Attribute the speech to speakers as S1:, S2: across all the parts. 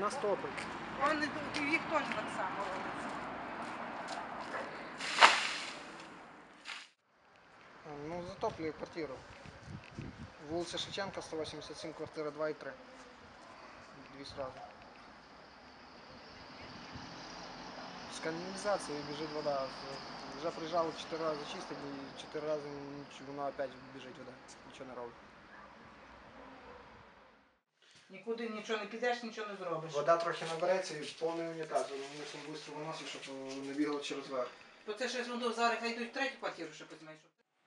S1: нас топить.
S2: Їх теж так само робиться.
S1: Ну, затоплює квартиру. Вулиця Шевченка, 187, квартира 2 і 3. Дві сразу. З каналізації біжить вода. Вже приїжджали 4 рази чистити і 4 рази вона опять біжить вода. Нічого не робить.
S2: Нікуди нічого не підеш, нічого не зробиш.
S1: Вода трохи набереться і повний унітаз. Вони мусимо швидко виносити, щоб не бігало через верх.
S2: Бо це ще зараз хай йдуть в третю квартиру, щоб візьмеш.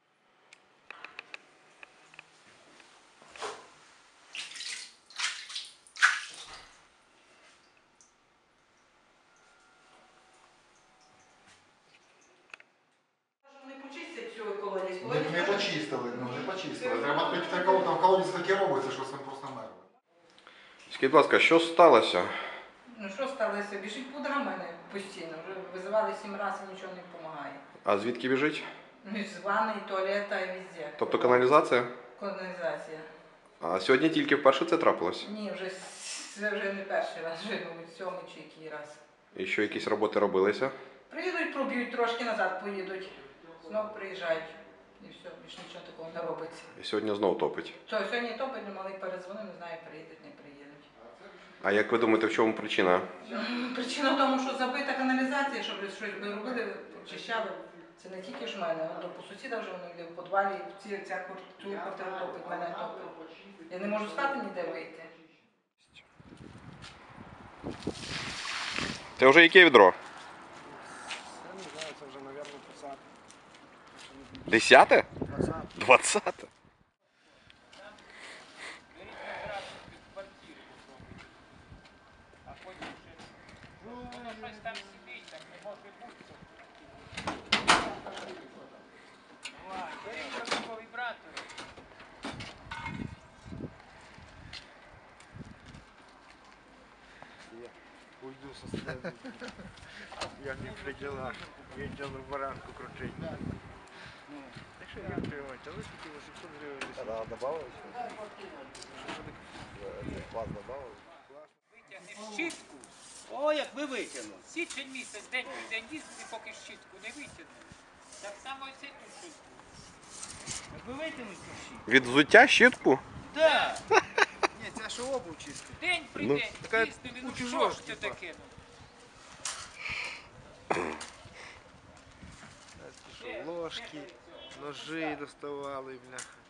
S3: Не почистили, не почистили. Треба піти там колодязь таке робиться, що це просто мерзне.
S4: Скажіть, будь ласка, що сталося?
S2: Ну що сталося? Біжить пудра в мене постійно. Вже визивали 7 разів, нічого не допомагає.
S4: А звідки біжить?
S2: Ну, з ванни, і туалета, і везде.
S4: Тобто каналізація?
S2: Каналізація.
S4: А сьогодні тільки вперше це трапилось?
S2: Ні, це вже не перший раз, вже сьомий чи який раз.
S4: І що, якісь роботи робилися?
S2: Приїдуть, проб'ють, трошки назад поїдуть. Знову приїжджають. І все, більше нічого такого не робиться.
S4: І сьогодні знову топить.
S2: То сьогодні топить, але малий перезвонив, не знаю, приїдуть, не приїдуть.
S4: А як ви думаєте, в чому причина?
S2: Причина в тому, що забита каналізація, щоб щось би робили, очищали. Це не тільки ж в мене, а по сусіда вже воно йде в підвалі, цю квартиру топить, мене топить. Я не можу з хати ніде вийти.
S4: Це вже яке відро?
S1: Я не знаю, це вже, мабуть,
S4: 10?
S1: 20.
S4: 20?
S5: Уйду со сцены. Я не при делах. Ездил на баранку крутить. Так что я приводить, а вы сколько 800 гривен?
S3: А добавили? Клас добавили?
S6: Витягнеш щітку. О, як ви витягнули. Січень місяць, день в день їздити, поки щітку не витягнеш. Так само і це тут щітку. Як ви витягнете щітку?
S4: Від взуття щітку?
S6: Так.
S5: Ні, це що обув чисто.
S6: День при
S4: Ну,
S6: день.
S5: така
S6: Їздили, ну
S5: у
S6: що
S5: чужого
S6: ж це
S5: типа.
S6: таке?
S5: Ложки, ножи доставали, бляха.